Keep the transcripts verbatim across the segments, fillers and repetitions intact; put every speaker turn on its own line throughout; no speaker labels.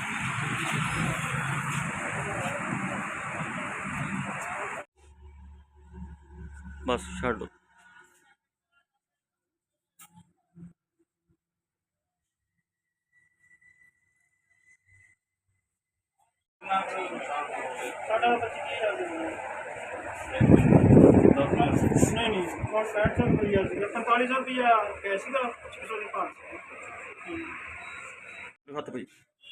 बस छड़ दो।
नहीं नहीं पैंठ सौ रुपया पैंतालीस सौ रुपया कैश का छः सौ पाँच
हत्थ भाई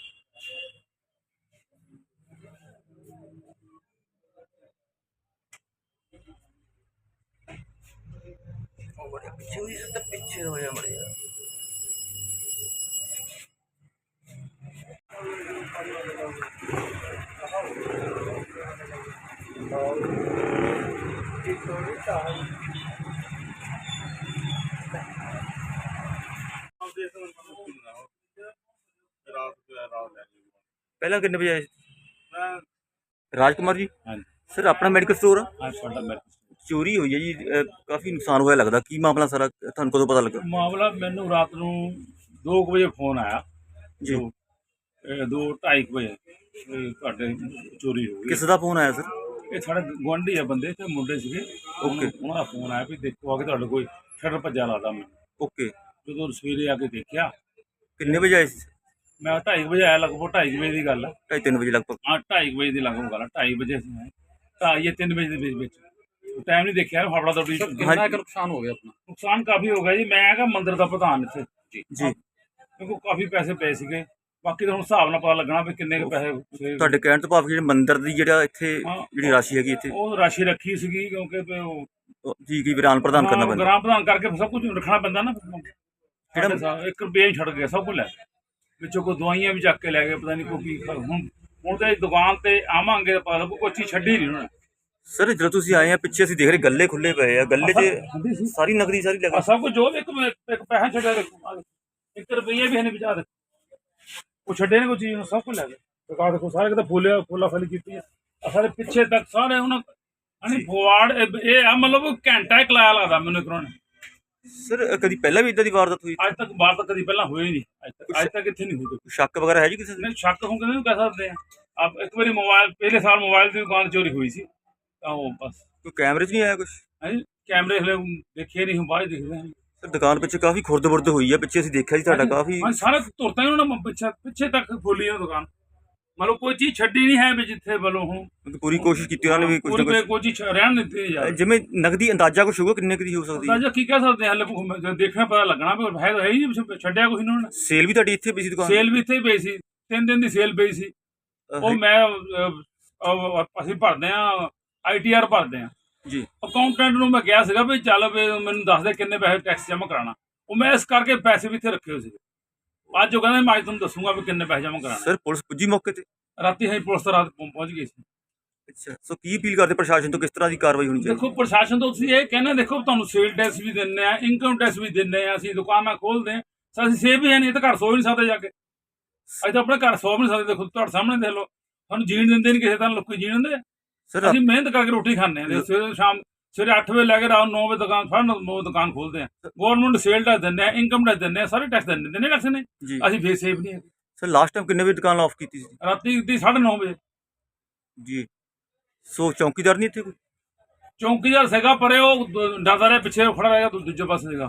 पीछे पीछे हो जा मड़िया पहला कितने बजे आए राजकुमार जी?
हाँ जी
सर अपना मैडिकल स्टोर
हाँ साडा मेडिकल स्टोर
चोरी हुई है जी, काफ़ी नुकसान होया लगता, की मामला सारा थानू कदों पता लगा?
मामला मैनू रात नूं दो कुछ बजे फोन आया
जी
दो ए, दो ढाई कुछ बजे भी तुहाडे चोरी हो गई।
किस दा फोन आया सर?
ये साढ़े गुआढ़ी है बंदे ते मुंडे सीगे,
ओके
उन्होंने फोन आया भी देखो आके तुहाडे कोई शटर भज्जा लगदा मैं
ओके
जो सवेरे आके देखा
किन्ने बजे आए?
मैं ढाई बजे आया, लगभग ढाई बजे की गल है।
ढाई तीन बजे लगभग?
हाँ ढाई बजे की लगभग गल है, ढाई बजे ढाई या तीन बजे के बीच टाइम नहीं देखा फाफड़ा दौड़ी।
कितना
नुकसान हो गया अपना? नुकसान काफ़ी हो गया जी, मैं क्या मंदिर का प्रधान इत्थे जी
जी
क्योंकि काफ़ी पैसे पे सीगे, बाकी तो हुण हिसाब नाल पता लगना भी किन्ने के पैसे।
ਤੁਹਾਡੇ ਕਹਿਣ ਤੋਂ ਭਾਵ ਜਿਹੜੇ ਮੰਦਿਰ ਦੀ ਜਿਹੜਾ ਇੱਥੇ
हाँ
ਜਿਹੜੀ ਰਾਸ਼ੀ ਹੈਗੀ ਇੱਥੇ
ਉਹ ਰਾਸ਼ੀ ਰੱਖੀ ਸੀਗੀ ਕਿਉਂਕਿ ਵੀ ਉਹ
ਜੀ ਕੀ ਵਿਰਾਨ ਪ੍ਰਦਾਨ ਕਰਨਾ ਪੈਂਦਾ?
ਗ੍ਰਾਮ ਪ੍ਰਧਾਨ ਕਰਕੇ ਸਭ ਕੁਝ ਰੱਖਣਾ ਪੈਂਦਾ ਨਾ।
ਕਿਹੜਾ
ਜਿਹੜਾ ਇੱਕ ਰੁਪਈਆ ਹੀ ਛੱਡ ਗਿਆ, ਸਭ ਕੁਝ ਲੈ ਗਏ ਵਿੱਚੋਂ, ਕੋਈ ਦਵਾਈਆਂ ਵੀ ਚੱਕ ਕੇ ਲੈ ਗਏ, ਪਤਾ ਨਹੀਂ ਕੋਈ ਕੀ। ਹੁਣ ਹੁਣ ਤੇ ਦੁਕਾਨ ਤੇ ਆਵਾਂਗੇ ਤਾਂ ਪਤਾ ਲੱਗੂ, ਕੋਈ ਚੀਜ਼ ਛੱਡੀ ਨਹੀਂ ਉਹਨਾਂ ਨੇ।
ਸਰ ਜਦੋਂ ਤੁਸੀਂ ਆਏ ਆ ਪਿੱਛੇ ਅਸੀਂ ਦੇਖ ਰਹੇ ਗੱਲੇ ਖੁੱਲੇ ਪਏ ਆ, ਗੱਲੇ 'ਚ
ਹੁੰਦੀ ਸੀ
ਸਾਰੀ ਨਗਦੀ ਸਾਰੀ
ਆਹ
ਲੱਗੀ।
ਸਭ ਕੁਝ ਜੋ ਇੱਕ ਇੱਕ ਪੈਸਾ ਛੱਡਿਆ ਦੇਖੋ, ਆਹ ਦੇਖੋ, ਇੱਕ ਰੁਪਈਆ ਵੀ ਹੈ ਨਹੀਂ ਵਿਚਾਰ ਦੇ, ਉਹ ਛੱਡੇ ਨੇ ਕੋਈ ਚੀਜ਼, ਸਭ ਕੁਝ ਲੈ ਗਏ। ਦੁਕਾਨ ਦੇਖੋ ਸਾਰੇ ਕਿਤੇ ਫੁੱਲਿਆ ਫੁੱਲਾ ਫਲੀ ਕੀਤੀ ਹੈ, ਆਹ ਸਾਰੇ ਪਿੱਛੇ ਤੱਕ ਸਾਰੇ ਉਹਨਾਂ ਅਣੀ ਫਵਾੜ ਇਹ ਆ, ਮਤਲਬ ਘੰਟਾ ਇੱਕ ਲਾਇਆ ਲੱਗਦਾ ਮੈਨੂੰ ਇੱਕ ਨੇ।
ਸਰ ਕਦੀ ਪਹਿਲਾਂ ਵੀ ਇਦਾਂ ਦੀ ਵਾਰਦਾਤ ਹੋਈ?
ਅੱਜ ਤੱਕ ਬਾਹਰ ਤੱਕ ਕਦੀ ਪਹਿਲਾਂ ਹੋਈ ਨਹੀਂ, ਅੱਜ ਤੱਕ ਅੱਜ ਤੱਕ ਇੱਥੇ ਨਹੀਂ ਹੋਈ।
ਸ਼ੱਕ ਵਗੈਰਾ ਹੈ ਜੀ ਕਿਸੇ ਦੇ?
ਨਹੀਂ ਸ਼ੱਕ ਹੁਣ ਕਿਹਨੂੰ ਕਹਿ ਸਕਦੇ ਆ। ਆਪ ਇੱਕ ਵਾਰੀ ਮੋਬਾਈਲ ਪਹਿਲੇ ਸਾਲ ਮੋਬਾਈਲ ਦੀ ਦੁਕਾਨ ਚੋਰੀ ਹੋਈ ਸੀ, ਤਾਂ ਉਹ ਬਸ
ਕੋਈ ਕੈਮਰੇ 'ਚ ਨਹੀਂ ਆਇਆ ਕੁਛ?
ਹਾਂਜੀ ਕੈਮਰੇ ਹਲੇ ਦੇਖੇ ਨਹੀਂ, ਹੁਣ ਬਾਅਦ ਦੇਖਦੇ ਹਾਂ।
ਸਰ ਦੁਕਾਨ ਪਿੱਛੇ ਕਾਫੀ ਖੁਰਦ ਬੁਰਦ ਹੋਈ ਆ, ਪਿੱਛੇ ਅਸੀਂ ਦੇਖਿਆ ਜੀ ਤੁਹਾਡਾ ਕਾਫੀ।
ਹਾਂ ਸਾਰੇ ਤੁਰਤਾ ਹੀ ਉਹਨਾਂ ਨੇ ਪਿੱਛੇ ਪਿੱਛੇ ਤੱਕ ਖੋਲੀ ਉਹ ਦੁਕਾਨ, ਮਤਲਬ ਕੋਈ ਚੀਜ਼ ਛੱਡੀ ਨਹੀਂ ਹੈ ਵੀ ਜਿੱਥੇ ਵੱਲੋਂ ਹੁਣ
ਪੂਰੀ ਕੋਸ਼ਿਸ਼ ਕੀਤੀ ਉਹਨਾਂ ਨੇ ਵੀ ਕੁਝ ਨਾ
ਕੋਈ
ਕੁਝ।
ਕੋਈ ਚੀਜ਼ ਰਹਿਣ ਨਹੀਂ ਦਿੱਤੀ ਯਾਰ।
ਜਿਵੇਂ ਨਗਦੀ ਅੰਦਾਜ਼ਾ ਕੁਛ ਹੋਊਗਾ ਕਿੰਨੇ ਕੁ ਦੀ ਹੋ ਸਕਦੀ ਹੈ?
ਅੰਦਾਜ਼ਾ ਕੀ ਕਹਿ ਸਕਦੇ ਹਾਂ, ਹਲੇ ਦੇਖਣਾ ਪਤਾ ਲੱਗਣਾ ਵੀ ਹੈ ਤਾਂ ਹੈ ਹੀ ਨਹੀਂ, ਛੱਡਿਆ ਕੁਛ ਇਹਨਾਂ ਨੇ।
ਸੇਲ ਵੀ ਤੁਹਾਡੀ ਇੱਥੇ ਪਈ ਸੀ ਦੁਕਾਨ?
ਸੇਲ ਵੀ ਇੱਥੇ ਹੀ ਪਈ ਸੀ, ਤਿੰਨ ਦਿਨ ਦੀ ਸੇਲ ਪਈ ਸੀ। ਉਹ ਮੈਂ ਅਹ, ਅਸੀਂ ਭਰਦੇ ਆ ਆਈ ਟੀ ਆਰ ਭਰਦੇ ਆ
ਜੀ।
ਅਕਾਊਂਟੈਂਟ ਨੂੰ ਮੈਂ ਕਿਹਾ ਸੀਗਾ ਵੀ ਚੱਲ ਵੀ ਮੈਨੂੰ ਦੱਸ ਦੇ ਕਿੰਨੇ ਪੈਸੇ ਟੈਕਸ ਜਮ੍ਹਾਂ ਕਰਾਉਣਾ, ਉਹ ਮੈਂ ਇਸ ਕਰਕੇ ਪੈਸੇ ਵੀ ਇੱਥੇ ਰੱਖੇ ਹੋਏ ਸੀਗੇ। ਅੱਜ ਉਹ ਕਹਿੰਦੇ ਮੈਂ ਅੱਜ ਤੁਹਾਨੂੰ ਦੱਸੂਗਾ ਵੀ ਕਿੰਨੇ ਪੈਸੇ ਜਮ੍ਹਾਂ ਕਰਾਉਣਾ।
ਸਰ ਪੁਲਿਸ ਪੁੱਜੀ ਮੌਕੇ ਤੇ?
ਰਾਤੀ ਅਸੀਂ ਪੁਲਿਸ ਤਾਂ ਰਾਤ ਪਹੁੰ- ਪਹੁੰਚ ਗਈ ਸੀ।
ਅੱਛਾ, ਸੋ ਕੀ ਅਪੀਲ ਕਰਦੇ ਪ੍ਰਸ਼ਾਸਨ ਤੋਂ, ਕਿਸ ਤਰ੍ਹਾਂ ਦੀ ਕਾਰਵਾਈ ਹੋਣੀ ਚਾਹੀਦੀ?
ਦੇਖੋ ਪ੍ਰਸ਼ਾਸਨ ਤੋਂ ਤੁਸੀਂ ਇਹ ਕਹਿੰਦੇ, ਦੇਖੋ ਤੁਹਾਨੂੰ ਸੇਲ ਟੈਕਸ ਵੀ ਦਿੰਦੇ ਆ, ਇਨਕਮ ਟੈਕਸ ਵੀ ਦਿੰਦੇ ਆ, ਅਸੀਂ ਦੁਕਾਨਾਂ ਖੋਲਦੇ ਆ, ਅਸੀਂ ਸੇਵ ਵੀ ਹੈ ਨਹੀਂ, ਇਹ ਤਾਂ ਘਰ ਸੋ ਹੀ ਨਹੀਂ ਸਕਦੇ ਜਾ ਕੇ। ਅਸੀਂ ਤਾਂ ਆਪਣੇ ਘਰ ਸੋ ਵੀ ਨਹੀਂ ਸਕਦੇ, ਦੇਖੋ ਤੁਹਾਡੇ ਸਾਹਮਣੇ ਦੇਖ ਲਓ, ਸਾਨੂੰ ਜੀਣ ਦਿੰਦੇ ਨਹੀਂ ਕਿਸੇ ਤਰ੍ਹਾਂ, ਲੋਕੀ ਜੀਣ ਦਿੰਦੇ ਆ।
ਸਰ
ਅਸੀਂ ਮਿਹਨਤ ਕਰਕੇ ਰੋਟੀ ਖਾਂਦੇ ਆ, ਸਵੇਰੇ ਸ਼ਾਮ ਸਵੇਰੇ ਅੱਠ ਵਜੇ ਲੈ ਕੇ ਰਾਤ ਨੌ ਵਜੇ ਦੁਕਾਨ ਸਾਢੇ ਨੌ ਵਜੇ ਦੁਕਾਨ ਖੋਲਦੇ ਆ। ਗਵਰਨਮੈਂਟ ਸੇਲ ਟੈਕਸ ਦਿੰਦੇ ਆ, ਇਨਕਮ ਟੈਕਸ ਦਿੰਦੇ ਆ, ਸਾਰੇ ਟੈਕਸ ਦਿੰਦੇ ਨੇ, ਟੈਕਸ ਨੇ,
ਜੀ
ਅਸੀਂ ਫੇਰ ਸੇਫ ਨਹੀਂ ਹੈਗੇ।
ਸਰ ਲਾਸਟ ਟਾਈਮ ਕਿੰਨੇ ਵਜੇ ਦੁਕਾਨ ਆਫ ਕੀਤੀ ਸੀ?
ਰਾਤੀ ਦੀ ਸਾਢੇ ਨੌ ਵਜੇ।
ਜੀ ਸੋ ਚੌਕੀਦਾਰ ਨਹੀਂ ਇੱਥੇ ਕੋਈ?
ਚੌਂਕੀਦਾਰ ਸੀਗਾ ਪਰੇ, ਉਹ ਡਰਦਾ ਰਿਹਾ, ਪਿੱਛੇ ਖੜਾ ਰਹਿ ਗਿਆ, ਦੂਜੇ ਪਾਸੇ ਸੀਗਾ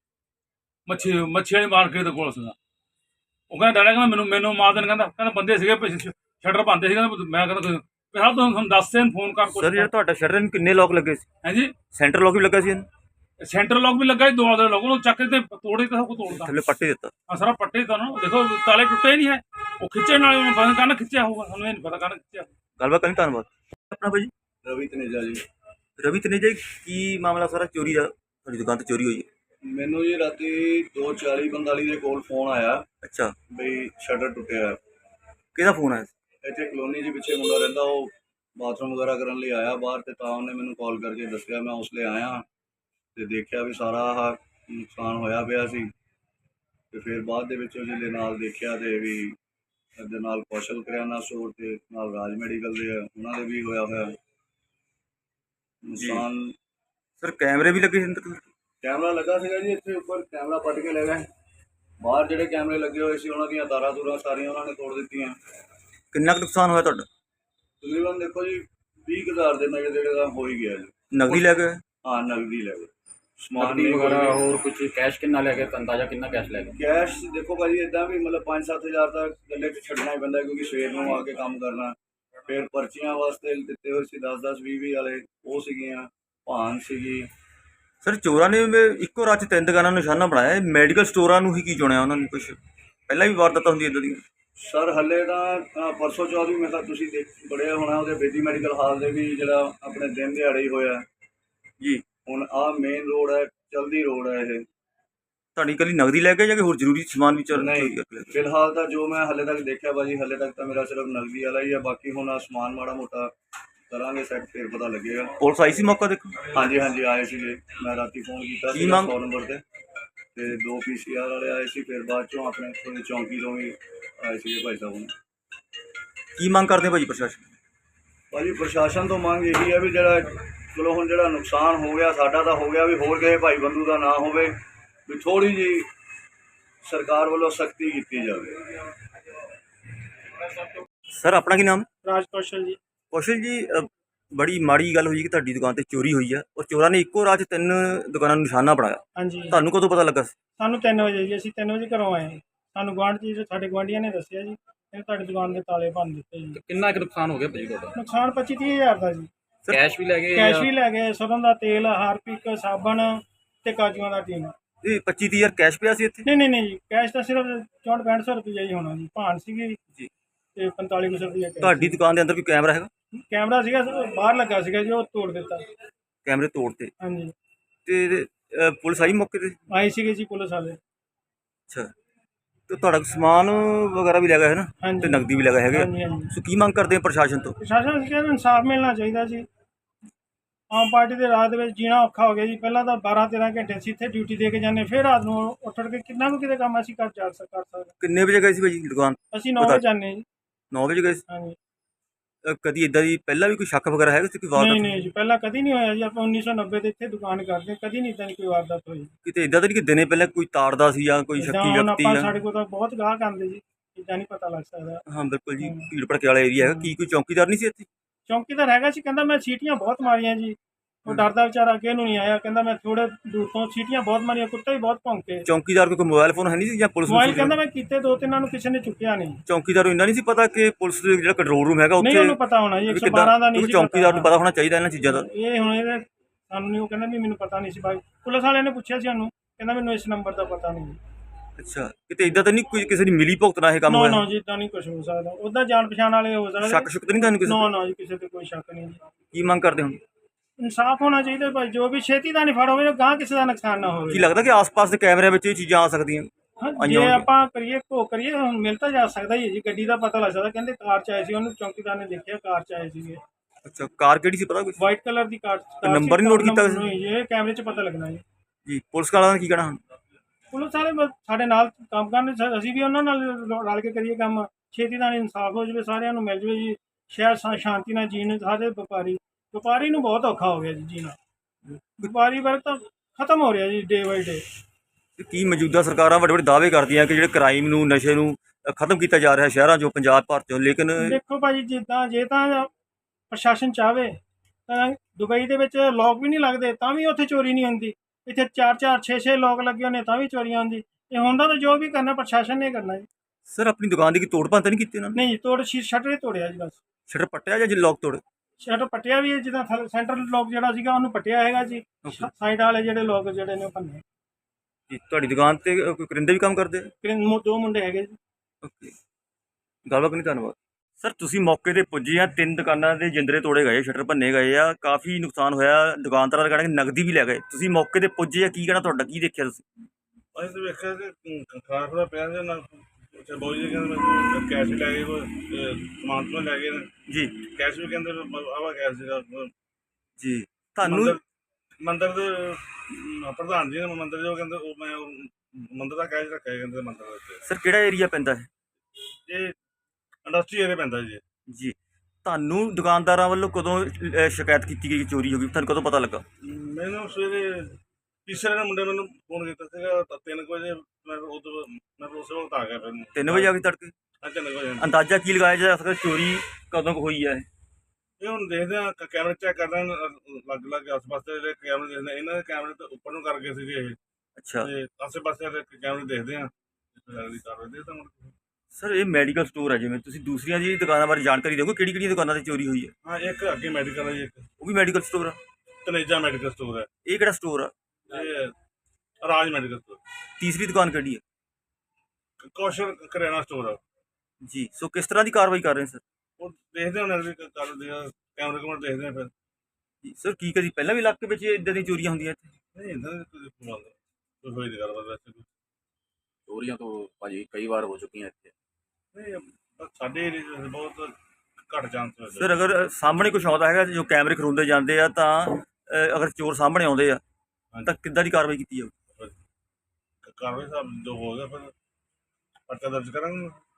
ਮੱਛੀ ਮੱਛੀ ਵਾਲੀ ਮਾਰਕੀਟ ਦੇ ਕੋਲ ਸੀਗਾ। ਉਹ ਕਹਿੰਦਾ ਡਰਿਆ, ਕਹਿੰਦਾ ਮੈਨੂੰ ਮੈਨੂੰ ਮਾਰ ਦੇਣ, ਕਹਿੰਦਾ ਕਹਿੰਦਾ ਬੰਦੇ ਸੀਗੇ ਸ਼ਟਰ ਪਾਉਂਦੇ ਸੀ, ਕਹਿੰਦਾ ਮੈਂ ਕਹਿੰਦਾ ਸਾਹਿਬ ਤੁਹਾਨੂੰ ਦੱਸ ਦੇਣ ਫੋਨ ਕਰ।
ਸਰ ਜਿਹੜਾ ਤੁਹਾਡਾ ਸ਼ਟਰ ਨੂੰ ਕਿੰਨੇ ਲੋਕ ਲੱਗੇ ਸੀ?
ਹੈ ਜੀ
ਸੈਂਟਰ ਲੋਕ ਵੀ ਲੱਗਾ ਸੀ?
ਸੈਂਟਰ ਲੋਕ ਵੀ ਲੱਗਾ ਸੀ, ਦੋ ਦੇ ਲੋਕ ਉਹ ਚੱਕ ਕੇ ਤੋੜੇ ਤਾਂ ਸਭ ਕੁਝ ਤੋੜਦਾ,
ਥੱਲੇ ਪੱਟੇ ਦਿੱਤਾ?
ਹਾਂ ਸਾਰਾ ਪੱਟੇ ਤਾਂ ਨਾ ਦੇਖੋ, ਤਾਲੇ ਟੁੱਟੇ ਨਹੀਂ ਹੈ, ਉਹ ਖਿੱਚਣ ਨਾਲ ਉਹਨੂੰ ਪਤਾ ਕੰਨ ਖਿੱਚਿਆ ਹੋਊਗਾ, ਸਾਨੂੰ ਇਹ ਨਹੀਂ ਪਤਾ ਕੰਨ ਖਿੱਚਿਆ।
ਗੱਲਬਾਤ ਕਰੀ, ਧੰਨਵਾਦ। ਆਪਣਾ ਭਾਈ?
ਰਵੀ ਤਨੇਜਾ ਜੀ।
ਰਵੀ ਤਨੇਜਾ ਜੀ, ਕੀ ਮਾਮਲਾ ਸਾਰਾ ਚੋਰੀ ਦਾ, ਤੁਹਾਡੀ ਦੁਕਾਨ ਤੇ ਚੋਰੀ ਹੋਈ ਹੈ?
ਮੈਨੂੰ ਜੀ ਰਾਤੀ ਦੋ ਚਾਲੀ ਪੰਤਾਲੀ ਦੇ ਕੋਲ ਫੋਨ ਆਇਆ
ਅੱਛਾ,
ਬਈ ਸ਼ਟਰ ਟੁੱਟਿਆ।
ਕਿਹਦਾ ਫੋਨ ਆਇਆ?
ਇੱਥੇ ਕਲੋਨੀ 'ਚ ਪਿੱਛੇ ਮੁੰਡਾ ਰਹਿੰਦਾ, ਉਹ ਬਾਥਰੂਮ ਵਗੈਰਾ ਕਰਨ ਲਈ ਆਇਆ ਬਾਹਰ, ਤੇ ਤਾਂ ਉਹਨੇ ਮੈਨੂੰ ਕਾਲ ਕਰਕੇ ਦੱਸਿਆ। ਮੈਂ ਉਸ ਲਈ ਆਇਆ ਤੇ ਦੇਖਿਆ ਵੀ ਸਾਰਾ ਆਹ ਨੁਕਸਾਨ ਹੋਇਆ ਪਿਆ ਸੀ। ਤੇ ਫਿਰ ਬਾਅਦ ਦੇ ਵਿੱਚ ਉਹਦੇ ਨਾਲ ਦੇਖਿਆ ਤੇ ਵੀ ਇਹਦੇ ਨਾਲ ਕੌਸ਼ਲ ਕਰਿਆਨਾ ਸਟੋਰ ਤੇ ਨਾਲ ਰਾਜ ਮੈਡੀਕਲ ਦੇ ਆ, ਉਹਨਾਂ ਦੇ ਵੀ ਹੋਇਆ ਹੋਇਆ ਨੁਕਸਾਨ।
ਸਰ ਕੈਮਰੇ ਵੀ ਲੱਗੇ ਸੀ ਅੰਦਰ?
ਕੈਮਰਾ ਲੱਗਾ ਸੀਗਾ ਜੀ, ਇੱਥੇ ਉੱਪਰ ਕੈਮਰਾ ਪੱਟ ਕੇ ਲੈ ਗਏ। ਬਾਹਰ ਜਿਹੜੇ ਕੈਮਰੇ ਲੱਗੇ ਹੋਏ ਸੀ ਉਹਨਾਂ ਦੀਆਂ ਤਾਰਾਂ ਤੂਰਾਂ ਸਾਰੀਆਂ ਉਹਨਾਂ ਨੇ ਤੋੜ ਦਿੱਤੀਆਂ।
ਕਿੰਨਾ ਕੁ ਨੁਕਸਾਨ ਹੋਇਆ ਤੁਹਾਡਾ?
ਤਕਰੀਬਨ ਦੇਖੋ ਜੀ ਵੀਹ ਕੁ ਹਜ਼ਾਰ ਦੇ ਨੇੜੇ ਤੇੜੇ ਦਾ ਹੋ ਹੀ ਗਿਆ ਜੀ।
ਨਗਦੀ ਲੈ ਗਏ?
ਹਾਂ ਨਗਦੀ ਲੈ ਗਏ, ਸਮਾਨ
ਨਕਦੀ
ਨਹੀਂ
ਵਗੈਰਾ
ਵਗੈਰਾ
ਹੋਰ ਕੁਝ ਕੈਸ਼ ਕਿੰਨਾ ਲੈ ਗਏ, ਅੰਦਾਜ਼ਾ ਕਿੰਨਾ ਕੈਸ਼ ਲੈ ਗਏ?
ਕੈਸ਼ ਦੇਖੋ ਭਾਜੀ ਇਦਾਂ ਵੀ ਮਤਲਬ ਪੰਜ ਸੱਤ ਹਜ਼ਾਰ ਤਾਂ ਗੱਲੇ 'ਚ ਛੱਡਣਾ ਹੀ ਪੈਂਦਾ ਕਿਉਂਕਿ ਸਵੇਰ ਨੂੰ ਆ ਕੇ ਕੰਮ ਕਰਨਾ। ਫਿਰ ਪਰਚੀਆਂ ਵਾਸਤੇ ਦਿੱਤੇ ਹੋਏ ਸੀ ਦਸ ਦਸ ਵੀਹ ਵੀਹ ਵਾਲੇ, ਉਹ ਸੀਗੀਆਂ, ਭਾਨ ਸੀਗੀ।
ਸਰ ਚੋਰਾਂ ਨੇ ਵੀ ਇੱਕੋ ਰਾਤ 'ਚ ਤਿੰਨ ਦੁਕਾਨਾਂ ਨੂੰ ਨਿਸ਼ਾਨਾ ਬਣਾਇਆ, ਇਹ ਮੈਡੀਕਲ ਸਟੋਰਾਂ ਨੂੰ ਹੀ ਕੀ ਚੁਣਿਆ ਉਹਨਾਂ ਨੇ? ਕੁਛ ਪਹਿਲਾਂ ਵੀ ਵਾਰਦਾਤਾਂ ਹੁੰਦੀਆਂ ਇੱਦਾਂ ਦੀਆਂ?
ਸਰ ਹੱਲੇ ਤਾਂ ਅ, ਪਰਸੋਂ ਚੌਥ ਵੀ ਮੈਂ ਤਾਂ ਤੁਸੀਂ ਦੇਖ ਬੜਿਆ ਹੋਣਾ ਉਹਦੇ ਬੇਦੀ ਮੈਡੀਕਲ ਹਾਲ ਦੇ ਵੀ ਜਿਹੜਾ ਆਪਣੇ ਦਿਨ ਦਿਹਾੜੇ ਹੀ ਹੋਇਆ
ਜੀ।
ਹੁਣ ਆਹ ਮੇਨ ਰੋਡ ਹੈ, ਚਲਦੀ ਰੋਡ ਹੈ ਇਹ।
ਤੁਹਾਡੀ ਇਕੱਲੀ ਨਗਦੀ ਲੈ ਗਏ ਜਾਂ ਕਿ ਹੋਰ ਜ਼ਰੂਰੀ ਸਮਾਨ ਵੀ ਚੋਰ
ਨਹੀਂ
ਚੋਰੀ ਕਰਕੇ ਲੈ ਗਏ?
ਫਿਲਹਾਲ ਤਾਂ ਜੋ ਮੈਂ ਹੱਲੇ ਤੱਕ ਦੇਖਿਆ ਭਾਜੀ, ਹੱਲੇ ਤੱਕ ਤਾਂ ਮੇਰਾ ਸਿਰਫ ਨਗਦੀ ਵਾਲਾ ਹੀ ਹੈ। ਬਾਕੀ ਹੁਣ ਆਹ ਸਮਾਨ ਮਾੜਾ ਮੋਟਾ ਕਰਾਂਗੇ ਸੈੱਟ, ਫਿਰ ਪਤਾ ਲੱਗੇਗਾ।
ਪੁਲਿਸ ਆਈ ਸੀ ਮੌਕਾ ਦੇਖੋ?
ਹਾਂਜੀ ਹਾਂਜੀ ਆਏ ਸੀਗੇ, ਮੈਂ ਰਾਤੀ ਫੋਨ ਕੀਤਾ
ਕੀ
ਸੀ
ਮੰਗ-
ਸੌ ਨੰਬਰ ਤੇ ਤੇ ਦੋ ਪੀ ਸੀ ਆਰ ਵਾਲੇ ਆਏ ਸੀ। ਫਿਰ ਬਾਅਦ ਚੋਂ ਆਪਣੇ ਇੱਥੋਂ ਦੀ ਚੌਂਕੀ ਤੋਂ ਵੀ ਆਏ ਸੀਗੇ ਭਾਈ ਸਾਹਿਬ। ਹੁਣ
ਕੀ ਮੰਗ ਕਰਦੇ ਭਾਜੀ ਪ੍ਰਸ਼ਾਸਨ?
ਭਾਜੀ ਪ੍ਰਸ਼ਾਸਨ ਤੋਂ ਮੰਗ ਇਹੀ ਹੈ ਵੀ ਜਿਹੜਾ ਚਲੋ ਹੁਣ ਜਿਹੜਾ ਨੁਕਸਾਨ ਹੋ ਗਿਆ ਸਾਡਾ ਤਾਂ ਹੋ ਗਿਆ, ਵੀ ਹੋਰ ਕਿਸੇ ਭਾਈ ਬੰਦੂ ਦਾ ਨਾ ਹੋਵੇ, ਵੀ ਥੋੜ੍ਹੀ ਜਿਹੀ ਸਰਕਾਰ ਵੱਲੋਂ ਸਖਤੀ ਕੀਤੀ ਜਾਵੇ।
ਸਰ ਆਪਣਾ ਕੀ ਨਾਮ?
ਰਾਜ ਕੌਸ਼ਲ ਜੀ।
ਕੌਸ਼ਲ ਜੀ, ਅ, ਬੜੀ ਮਾੜੀ ਗੱਲ ਹੋਈ ਕਿ ਤੁਹਾਡੀ ਦੁਕਾਨ ਤੇ ਚੋਰੀ ਹੋਈ ਆ ਔਰ ਚੋਰਾਂ ਨੇ ਇੱਕੋ ਰਾਤ 'ਚ ਤਿੰਨ ਦੁਕਾਨਾਂ ਨੂੰ ਨਿਸ਼ਾਨਾ ਬਣਾਇਆ।
ਹਾਂਜੀ,
ਤੁਹਾਨੂੰ ਕਦੋਂ ਪਤਾ ਲੱਗਾ ਸੀ?
ਸਾਨੂੰ ਤਿੰਨ ਵਜੇ ਜੀ, ਅਸੀਂ ਤਿੰਨ ਵਜੇ ਘਰੋਂ ਆਏ। ਸਾਨੂੰ ਗੁਆਂਢ ਜੀ ਸਾਡੇ ਗੁਆਂਢੀਆਂ ਨੇ ਦੱਸਿਆ ਜੀ ਇਹ ਤੁਹਾਡੀ ਦੁਕਾਨ ਦੇ ਤਾਲੇ ਭੰਨ ਦਿੱਤੇ ਜੀ।
ਤੇ ਕਿੰਨਾ ਕੁ ਨੁਕਸਾਨ ਹੋ ਗਿਆ ਭਾਜੀ ਤੁਹਾਡਾ?
ਨੁਕਸਾਨ ਪੱਚੀ ਤੀਹ ਹਜ਼ਾਰ ਦਾ ਜੀ।
ਕੈਸ਼ ਵੀ ਲੈ ਗਏ
ਕੈਸ਼
ਜਾਂ-
ਵੀ ਲੈ ਗਏ, ਸਰੋਂ ਦਾ ਤੇਲ, ਹਾਰਪਿਕ, ਸਾਬਣ ਤੇ ਕਾਜੂਆਂ ਦਾ ਟੀਨ।
ਇਹ ਪੱਚੀ ਤੀਹ ਹਜ਼ਾਰ ਕੈਸ਼ ਪਿਆ ਸੀ ਇੱਥੇ?
ਨਹੀਂ ਨਹੀਂ ਨਹੀਂ ਜੀ, ਕੈਸ਼ ਤਾਂ ਸਿਰਫ ਚੌਂਹਠ ਪੈਂਹਠ ਸੌ ਰੁਪਈਆ ਹੀ ਹੋਣਾ ਜੀ। ਭਾਨ ਸੀਗੀ
ਜੀ।
ਤੇ ਪੰਤਾਲੀ ਕੁ ਸੌ ਰੁਪਈਆ ਕੈਸ਼।
ਤੁਹਾਡੀ ਦੁਕਾਨ ਦੇ ਅੰਦਰ ਕੋਈ ਕੈਮਰਾ ਹੈਗਾ?
ਕੈਮਰਾ ਸੀਗਾ ਬਾਹਰ ਲੱਗਾ ਸੀਗਾ ਜੀ, ਉਹ ਤੋੜ ਦਿੱਤਾ।
ਕੈਮਰੇ ਤੋੜਤੇ
ਹਾਂਜੀ,
ਤੇ ਅ, ਪੁਲਿਸ ਆਈ ਮੌਕੇ ਤੇ?
ਆਏ ਸੀਗੇ ਜੀ ਪੁਲਿਸ ਵਾਲੇ।
ਅੱਛਾ, ਤੇ ਤੁਹਾਡਾ ਸਮਾਨ ਵਗੈਰਾ ਵੀ ਲੈ ਗਏ ਹੈ ਨਾ,
ਹਾਂਜੀ
ਤੇ ਨਗਦੀ ਵੀ ਲੈ ਗਏ ਹੈਗੇ ਆ।
ਹਾਂਜੀ ਹਾਂਜੀ।
ਸੋ ਕੀ ਮੰਗ ਕਰਦੇ ਆ ਪ੍ਰਸ਼ਾਸਨ ਤੋਂ?
ਪ੍ਰਸ਼ਾਸਨ ਨੂੰ ਕਹਿੰਦਾ ਇਨਸਾਫ ਮਿਲਣਾ ਚਾਹੀਦਾ ਜੀ। ਆਮ ਪਾਰਟੀ ਦੇ ਰਾਤ ਦੇ ਵਿੱਚ ਜੀਣਾ ਔਖਾ ਹੋ ਗਿਆ ਜੀ। ਪਹਿਲਾਂ ਤਾਂ ਬਾਰਾਂ ਤੇਰਾਂ ਘੰਟੇ ਅਸੀਂ ਇੱਥੇ ਡਿਊਟੀ ਦੇ ਕੇ ਜਾਂਦੇ, ਫਿਰ ਰਾਤ ਨੂੰ ਉੱਠ ਉੱਠ ਕੇ ਕਿੰਨਾ ਕੁ ਕਿਤੇ ਕੰਮ ਅਸੀਂ ਕਰ ਜਾ ਸਕ ਕਰ ਸਕਦੇ।
ਕਿੰਨੇ ਵਜੇ ਗਏ ਸੀ ਭਾਜੀ ਦੁਕਾਨ?
ਅਸੀਂ ਨੌ ਵਜੇ ਜਾਂਦੇ ਜੀ।
ਨੌ ਵਜੇ ਗਏ ਸੀ?
ਹਾਂਜੀ।
ਅ, ਕਦੀ ਇਦਾਂ ਦੀ ਪਹਿਲਾਂ ਵੀ ਕੋਈ ਸ਼ੱਕ ਵਗੈਰਾ ਹੈਗਾ ਸੀ ਕੋਈ
ਨਹੀਂ
ਵਾਰਦਾਤ?
ਨਹੀਂ ਜੀ, ਪਹਿਲਾਂ ਕਦੀ ਨਹੀਂ ਹੋਇਆ ਜੀ। ਆਪਾਂ ਉੱਨੀ ਸੌ ਨੱਬੇ ਦੇ ਇੱਥੇ ਦੁਕਾਨ ਕਰਦੇ, ਕਦੀ ਨਹੀਂ ਇੱਦਾਂ ਦੀ ਕੋਈ ਵਾਰਦਾਤ ਹੋਈ।
ਕਿਤੇ ਇਦਾਂ ਤਾਂ ਨਹੀਂ ਕਿ ਦਿਨੇ ਪਹਿਲਾਂ ਕੋਈ ਤਾੜਦਾ ਸੀ ਜਾਂ ਕੋਈ
ਇੱਦਾਂ
ਸ਼ੱਕੀ
ਹੁਣ
ਵਿਅਕਤੀ
ਆਪਾਂ
ਜਾਂ?
ਸਾਡੇ ਕੋਲ ਤਾਂ ਬਹੁਤ ਗਾਹਕ ਆਉਂਦੇ ਜੀ, ਇੱਦਾਂ ਨਹੀਂ ਪਤਾ ਲੱਗ ਸਕਦਾ।
ਹਾਂ ਬਿਲਕੁਲ ਜੀ, ਭੀੜ ਭੜਕੇ ਵਾਲਾ ਏਰੀਆ ਹੈਗਾ। ਕੀ ਕੋਈ ਚੌਕੀਦਾਰ ਨਹੀਂ ਸੀ ਇੱਥੇ?
ਚੌਂਕੀਦਾਰ ਹੈਗਾ ਸੀ, ਕਹਿੰਦਾ ਮੈਂ ਸੀਟੀਆਂ ਬਹੁਤ ਮਾਰੀਆਂ ਜੀ। ਉਹ ਡਰਦਾ ਵਿਚਾਰਾ ਅੱਗੇ ਨੂੰ ਨਹੀਂ ਆਇਆ, ਕਹਿੰਦਾ ਮੈਂ ਥੋੜੇ ਦੂਰ ਤੋਂ ਸੀਟੀਆਂ ਬਹੁਤ ਮਾਰੀਆਂ, ਕੁੱਤੇ ਵੀ ਬਹੁਤ ਭੌਂਕੇ।
ਚੌਕੀਦਾਰ ਕੋਲ ਕੋਈ ਮੋਬਾਈਲ ਫੋਨ ਹੈ ਨਹੀਂ ਸੀ ਜਾਂ ਪੁਲਿਸ ਨੂੰ
ਮੋਬਾਈਲ
ਸੂਚਨਾ?
ਕਹਿੰਦਾ ਮੈਂ ਕੀਤੇ ਦੋ ਤਿੰਨਾਂ ਨੂੰ, ਕਿਸੇ ਨੇ ਚੁੱਕਿਆ ਨਹੀਂ।
ਚੌਕੀਦਾਰ ਨੂੰ ਇੰਨਾ ਨਹੀਂ ਸੀ ਪਤਾ ਕਿ ਪੁਲਿਸ ਦੇ ਜਿਹੜਾ ਕੰਟਰੋਲ ਰੂਮ ਹੈਗਾ
ਨਹੀਂ
ਉੱਥੇ?
ਉਹਨੂੰ ਪਤਾ ਹੋਣਾ ਜੀ, ਇੱਕ ਸੌ
ਕਿੱਦਾਂ-
ਬਾਰਾਂ ਦਾ ਨਹੀਂ
ਕਿਉਂਕਿ
ਸੀ
ਚੌਕੀਦਾਰ ਨੂੰ ਪਤਾ ਹੋਣਾ ਚਾਹੀਦਾ ਇਹਨਾਂ ਚੀਜ਼ਾਂ ਦਾ।
ਇਹ ਹੁਣ ਇਹਦੇ ਸਾਨੂੰ ਨਹੀਂ, ਉਹ ਕਹਿੰਦਾ ਵੀ ਮੈਨੂੰ ਪਤਾ ਨਹੀਂ ਸੀ ਭਾਈ। ਪੁਲਿਸ ਵਾਲਿਆਂ ਨੇ ਪੁੱਛਿਆ ਸੀ ਸਾਨੂੰ, ਕਹਿੰਦਾ ਮੈਨੂੰ ਇਸ ਨੰਬਰ ਦਾ ਪਤਾ ਨਹੀਂ।
ਅੱਛਾ, ਕਿਤੇ ਇਦਾਂ ਤਾਂ ਨਹੀਂ ਕੋਈ ਕਿਸੇ ਦੀ ਮਿਲੀ ਭੁਗਤ ਨਾਲ ਇਹ ਕੰਮ
ਨਾ
ਹੋਇਆ?
ਨਾ ਜੀ, ਇਦਾਂ ਨਹੀਂ ਕੁਝ ਹੋ ਸਕਦਾ। ਉਹਦਾ ਜਾਣ ਪਛਾਣ ਵਾਲੇ ਹੋ ਸਕਦੇ।
ਸ਼ੱਕ ਸ਼ੁਕ ਤਾਂ ਨਹੀਂ ਤੁਹਾਨੂੰ ਕਿਸੇ
ਨਾ
ਤੇ?
ਨਾ ਜੀ, ਕਿਸੇ ਤੇ ਕੋਈ ਸ਼ੱਕ ਨਹੀਂ ਜੀ।
ਕੀ ਮੰਗ ਕਰਦੇ ਹੁਣ?
ਇਨਸਾਫ ਹੋਣਾ ਚਾਹੀਦਾ ਭਾਈ, ਜੋ ਵੀ ਛੇਤੀ ਦਾ ਨਹੀਂ ਫੜ ਹੋਵੇ, ਗਾਂ ਕਿਸੇ ਦਾ ਨੁਕਸਾਨ ਨਾ ਹੋਵੇ।
ਕੀ ਲੱਗਦਾ ਕਿ ਆਸ-ਪਾਸ ਦੇ ਕੈਮਰਿਆਂ ਵਿੱਚ ਇਹ ਚੀਜ਼ਾਂ ਆ ਸਕਦੀਆਂ?
ਹਾਂ,
ਆਈਆਂ
ਜੇ
ਹੋਣਗੀਆਂ।
ਆਪਾਂ ਕਰੀਏ ਘੋ ਕਰੀਏ, ਹੁਣ ਮਿਲ ਤਾਂ ਜਾ ਸਕਦਾ ਹੀ ਹੈ ਜੀ। ਗੱਡੀ ਦਾ ਪਤਾ ਲੱਗ ਸਕਦਾ, ਕਹਿੰਦੇ ਕਾਰ ਚ ਆਏ ਸੀ, ਉਹਨੂੰ ਚੌਕੀਦਾਰ ਨੇ ਦੇਖਿਆ ਕਾਰ ਚ ਆਏ ਸੀਗੇ।
ਅੱਛਾ, ਕਾਰ ਕਿਹੜੀ ਸੀ ਪਤਾ ਕੁਛ?
ਵਾਈਟ ਕਲਰ ਦੀ ਕਾਰ ਕਾਰ
ਨੰਬਰ
ਸੀ,
ਨਹੀਂ ਨੋਟ ਕੀਤਾ
ਨੰਬਰ
ਕਿਸੇ ਨੇ?
ਨਹੀਂ, ਇਹ ਕੈਮਰੇ 'ਚ ਪਤਾ ਲੱਗਣਾ ਜੀ।
ਜੀ, ਪੁਲਿਸ ਵਾਲਿਆਂ ਨੇ ਕੀ ਕਹਿਣਾ ਹੁਣ?
ਪੁਲਿਸ ਵਾਲੇ ਬਸ ਸਾਡੇ ਨਾਲ ਕੰਮ ਕਰਨ, ਸ- ਅਸੀਂ ਵੀ ਉਹਨਾਂ ਨਾਲ ਰ- ਰਲ ਕੇ ਕਰੀਏ ਕੰਮ। ਛੇਤੀ ਨਾਲ ਇਨਸਾਫ ਹੋ ਜਾਵੇ, ਸਾਰਿਆਂ ਨੂੰ ਮਿਲ ਜਾਵੇ ਜੀ। ਸ਼ਹਿਰ ਸ਼ਾ- ਸ਼ਾਂਤੀ ਨਾਲ ਜੀਣ ਸਾਰੇ ਵਪਾਰੀ ਵਪਾਰੀ ਨੂੰ ਬਹੁਤ ਔਖਾ ਹੋ ਗਿਆ ਜੀ ਜੀਣਾ। ਵਪਾਰੀ ਵਰਗ ਤਾਂ ਖਤਮ ਹੋ ਰਿਹਾ ਜੀ ਡੇ ਬਾਈ ਡੇ।
ਤੇ ਕੀ ਮੌਜੂਦਾ ਸਰਕਾਰਾਂ ਵੱਡੇ ਵੱਡੇ ਦਾਅਵੇ ਕਰਦੀਆਂ ਕਿ ਜਿਹੜੇ ਕ੍ਰਾਈਮ ਨੂੰ, ਨਸ਼ੇ ਨੂੰ ਅ, ਖਤਮ ਕੀਤਾ ਜਾ ਰਿਹਾ ਸ਼ਹਿਰਾਂ 'ਚੋਂ, ਪੰਜਾਬ ਭਰ 'ਚੋਂ, ਲੇਕਿਨ
ਦੇਖੋ ਭਾਜੀ, ਜਿੱਦਾਂ ਜੇ ਤਾਂ ਪ੍ਰਸ਼ਾਸਨ ਚਾਹਵੇ ਤਾਂ ਦੁਬਈ ਦੇ ਵਿੱਚ ਲੋਕ ਵੀ ਨਹੀਂ ਲੱਗਦੇ, ਤਾਂ ਵੀ ਉੱਥੇ ਚੋਰੀ ਨਹੀਂ ਹੁੰਦੀ। ਇੱਥੇ ਚਾਰ ਚਾਰ ਛੇ ਛੇ ਲੋਕ ਲੱਗੇ ਹੁੰਦੇ, ਤਾਂ ਵੀ ਚੋਰੀਆਂ ਹੁੰਦੀ। ਇਹ ਹੁੰਦਾ ਤਾਂ ਜੋ ਵੀ ਕਰਨਾ ਪ੍ਰਸ਼ਾਸਨ ਨੇ ਕਰਨਾ ਜੀ।
ਸਰ ਆਪਣੀ ਦੁਕਾਨ ਦੀ ਕੀ ਤੋੜ ਭੰਨ ਤਾਂ ਨਹੀਂ ਕੀਤੀ ਇਹਨਾਂ ਨੇ?
ਨਹੀਂ ਜੀ, ਤੋੜ ਸ਼ੀ- ਸ਼ਟਰ ਹੀ ਤੋੜਿਆ ਜੀ ਬਸ।
ਸ਼ਟਰ ਪੱਟਿਆ ਜਾਂ ਜੇ ਲੋਕ ਤੋੜੇ?
ਸ਼ਟਰ ਪੱਟਿਆ ਵੀ ਹੈ, ਜਿੱਦਾਂ ਸੈਂਟਰਲ ਲੋਕ ਜਿਹੜਾ ਸੀਗਾ ਉਹਨੂੰ ਪੱਟਿਆ ਹੈਗਾ ਜੀ।
Okay.
ਸਾਈਡ ਵਾਲੇ ਜਿਹੜੇ ਲੋਕ ਜਿਹੜੇ ਨੇ ਉਹ ਭੰਨੇ।
ਜੀ, ਤੁਹਾਡੀ ਦੁਕਾਨ ਤੇ ਅ, ਕੋਈ ਕਰਿੰਦੇ ਵੀ ਕੰਮ ਕਰਦੇ ਆ?
ਫਿਰ ਮੋ- ਦੋ ਮੁੰਡੇ ਹੈਗੇ ਜੀ।
ਓਕੇ, ਗੱਲਬਾਤ ਨਹੀਂ, ਧੰਨਵਾਦ। ਸਰ ਤੁਸੀਂ ਮੌਕੇ ਤੇ ਪੁੱਜੇ ਆ, ਤਿੰਨ ਦੁਕਾਨਾਂ ਦੇ ਜਿੰਦਰੇ ਤੋੜੇ ਗਏ, ਸ਼ਟਰ ਭੰਨੇ ਗਏ ਆ, ਕਾਫੀ ਨੁਕਸਾਨ ਹੋਇਆ। ਦੁਕਾਨਦਾਰਾਂ ਦਾ ਕਹਿਣਾ ਕਿ ਨਗਦੀ ਵੀ ਲੈ ਗਏ। ਤੁਸੀਂ ਮੌਕੇ ਤੇ ਪੁੱਜੇ ਆ, ਕੀ ਕਹਿਣਾ ਤੁਹਾਡਾ? ਕੀ ਦੇਖਿਆ ਤੁਸੀਂ?
ਅਸੀਂ ਤਾਂ ਵੇਖਿਆ ਕਿ ਖਾਣਾ ਖੁਣਾ ਪਿਆ ਸੀ ਨਾ, ਅੱਛਾ ਬਾਊ ਜੀ ਕਹਿੰਦੇ ਮੈਨੂੰ ਕੈਸ਼ ਲੈ ਗਏ, ਕੋਈ ਅਹ, ਸਮਾਨ ਤੋਂ ਲੈ ਗਏ ਨੇ
ਜੀ
ਕੈਸ਼ ਵੀ ਕਹਿੰਦੇ ਆਵਾ ਕੈਸ਼ ਸੀਗਾ।
ਜੀ, ਤੁਹਾਨੂੰ
ਮੰਦਰ ਮੰਦਰ ਦੇ ਅਮ, ਪ੍ਰਧਾਨ ਜੀ ਨੇ ਮੰਦਰ ਜੋ ਕਹਿੰਦੇ ਉਹ ਮੈਂ ਉਹ ਮੰਦਰ ਦਾ ਕੈਸ਼ ਰੱਖਿਆ ਕਹਿੰਦੇ ਮੰਦਰ ਦੇ ਵਿੱਚ।
ਸਰ ਕਿਹੜਾ ਏਰੀਆ ਪੈਂਦਾ ਹੈ?
ਇਹ ਇੰਡਸਟਰੀ ਏਰੀਆ ਪੈਂਦਾ ਜੀ।
ਜੀ, ਤੁਹਾਨੂੰ ਦੁਕਾਨਦਾਰਾਂ ਵੱਲੋਂ ਕਦੋਂ ਅ, ਸ਼ਿਕਾਇਤ ਕੀਤੀ ਗਈ ਕਿ ਚੋਰੀ ਹੋ ਗਈ? ਤੁਹਾਨੂੰ ਕਦੋਂ ਪਤਾ ਲੱਗਾ?
ਮੈਨੂੰ ਸਵੇਰੇ
ਤੀਸਰੇ ਨੇ ਮੁੰਡੇ ਮੈਨੂੰ ਫੋਨ ਕੀਤਾ ਸੀਗਾ ਤਾਂ ਤਿੰਨ ਕੁ ਵਜੇ ਮੈਂ ਉਦੋਂ ਮੈਂ ਉਸੇ ਵਕਤ ਆ ਗਿਆ ਫਿਰ
ਤਿੰਨ ਵਜੇ ਆ ਕੇ ਤੜਕੇ
ਹਾਂ ਤਿੰਨ ਕੁ ਵਜੇ
ਅੰਦਾਜ਼ਾ ਕੀ ਲਗਾਇਆ ਜਾ ਸਕਦਾ ਚੋਰੀ ਕਦੋਂ ਕੁ ਹੋਈ ਹੈ ਇਹ?
ਇਹ ਹੁਣ ਦੇਖਦੇ ਆ ਕੈਮਰੇ ਚੈੱਕ ਕਰਦੇ ਆ ਲੱਗ ਲੱਗ ਆਸ-ਪਾਸ ਦੇ ਜਿਹੜੇ ਕੈਮਰੇ ਦੇਖਦੇ ਆ, ਇਹਨਾਂ ਦੇ ਕੈਮਰੇ ਤਾਂ ਉੱਪਰ ਨੂੰ ਕਰਕੇ ਸੀਗੇ ਇਹ
ਅੱਛਾ
ਤੇ ਆਸੇ-ਪਾਸੇ ਦੇ ਕੈਮਰੇ ਦੇਖਦੇ ਆ ਲੱਗਦੀ ਕਾਰਵਾਈ ਦੇ ਤਾਂ ਮੁੜ ਕੇ।
ਸਰ ਇਹ ਮੈਡੀਕਲ ਸਟੋਰ ਹੈ, ਜਿਵੇਂ ਤੁਸੀਂ ਦੂਸਰੀਆਂ ਜੀ ਦੁਕਾਨਾਂ ਬਾਰੇ ਜਾਣਕਾਰੀ ਦਿਓਗੇ ਕਿਹੜੀ ਕਿਹੜੀਆਂ ਦੁਕਾਨਾਂ ਤੇ ਚੋਰੀ ਹੋਈ ਹੈ?
ਹਾਂ ਇੱਕ ਅੱਗੇ ਮੈਡੀਕਲ ਹੈ ਜੀ, ਇੱਕ
ਉਹ ਵੀ ਮੈਡੀਕਲ ਸਟੋਰ ਆ?
ਤਨੇਜਾ ਮੈਡੀਕਲ ਸਟੋਰ ਹੈ,
ਇਹ ਕਿਹੜਾ ਸਟੋਰ ਆ?
ਇਹ ਰਾਜ ਮੈਡੀਕਲ ਸਟੋਰ,
ਤੀਸਰੀ ਦੁਕਾਨ ਕਿਹੜੀ ਹੈ?
ਕੌਸ਼ਲ ਕਰਿਆਨਾ ਸਟੋਰ ਆ।
ਜੀ, ਸੋ ਕਿਸ ਤਰ੍ਹਾਂ ਦੀ ਕਾਰਵਾਈ ਕਰ ਰਹੇ ਸਰ?
ਉਹ ਦੇਖਦੇ ਹੁਣ ਅਗਲੀ ਕਰਦੇ ਆ ਕੈਮਰੇ ਕੈਮਰੇ ਦੇਖਦੇ ਆ ਫਿਰ।
ਜੀ ਸਰ, ਕੀ ਕਦੀ ਪਹਿਲਾਂ ਵੀ ਇਲਾਕੇ ਵਿੱਚ ਇਦਾਂ ਦੀਆਂ ਚੋਰੀਆਂ ਹੁੰਦੀਆਂ ਇੱਥੇ?
ਨਹੀਂ ਇੰਦਾ ਕੋਈ ਪ੍ਰਬੰਧ ਕੋਈ ਹੋਈ ਨਹੀਂ ਗੱਲਬਾਤ ਵੈਸੇ ਕੋਈ।
ਚੋਰੀਆਂ ਤੋਂ ਭਾਜੀ ਕਈ ਵਾਰ ਹੋ ਚੁੱਕੀਆਂ ਇੱਥੇ।
ਨਹੀਂ ਬਸ ਸਾਡੇ ਏਰੀਏ 'ਚ ਬਹੁਤ ਘੱਟ ਚਾਂਸ ਹੋਏ
ਸਰ ਅਗਰ ਸਾਹਮਣੇ ਕੁਝ ਆਉਂਦਾ ਹੈਗਾ ਜੋ ਕੈਮਰੇ ਖਰੁੰਦੇ ਜਾਂਦੇ ਆ ਤਾਂ ਅ, ਅਗਰ ਚੋਰ ਸਾਹਮਣੇ ਆਉਂਦੇ ਆ ਤਾਂ ਕਿੱਦਾਂ ਦੀ ਕਾਰਵਾਈ ਕੀਤੀ ਜਾਊ?
ਕਾਰਵਾਈ ਸਾਹਿਬ ਜੋ ਹੋ ਗਿਆ ਫਿਰ ਪਰਚਾ ਦਰਜ ਕਰਾਂਗੇ।